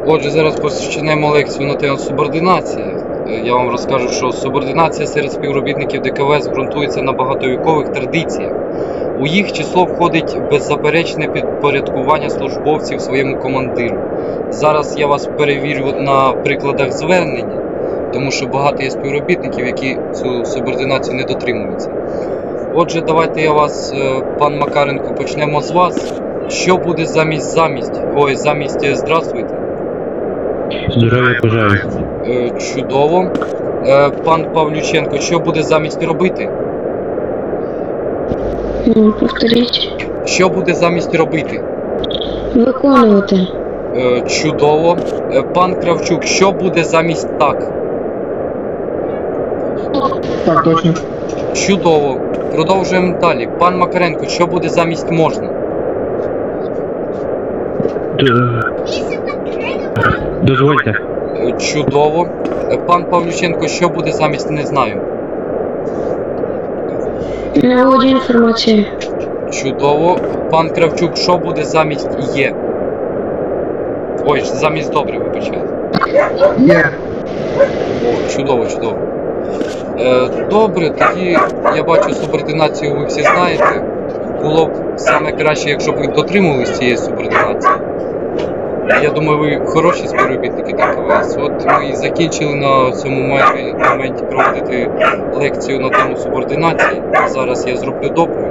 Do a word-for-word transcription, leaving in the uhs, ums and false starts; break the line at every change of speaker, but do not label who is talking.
Отже, зараз почнемо лекцію на тему субординації. Я вам розкажу, що субординація серед співробітників ДКВС ґрунтується на багатовікових традиціях. У їх число входить беззаперечне підпорядкування службовців своєму командиру. Зараз я вас перевірю на прикладах звернення, тому що багато є співробітників, які цю субординацію не дотримуються. Отже, давайте я вас, пан Макаренко, почнемо з вас. Що буде замість замість? Ой, замість здравствуйте.
Здоров'я бажаю.
Е, чудово. Е, пан Павлюченко, що буде замість робити?
Ну, повторіть.
Що буде замість робити?
Виконувати.
Е, чудово. Е, пан Кравчук, що буде замість так?
Так, точно.
Чудово. Продовжуємо далі. Пан Макаренко, що буде замість можна?
Д- Дозвольте.
Е, чудово. Е, пан Павлюченко, що буде замість не знаю?
Не володію інформацією.
Чудово. Пан Кравчук, що буде замість є? Ой, замість добре, вибачайте.
Є.
О, чудово, чудово. Е, добре, тоді я бачу субординацію, ви всі знаєте. Було б саме краще, якщо б ви дотримувалися цієї субординації. Я думаю, ви хороші співробітники ДКВС. От ми і закінчили на цьому моменті проводити лекцію на тему субординації. Зараз я зроблю доповідь.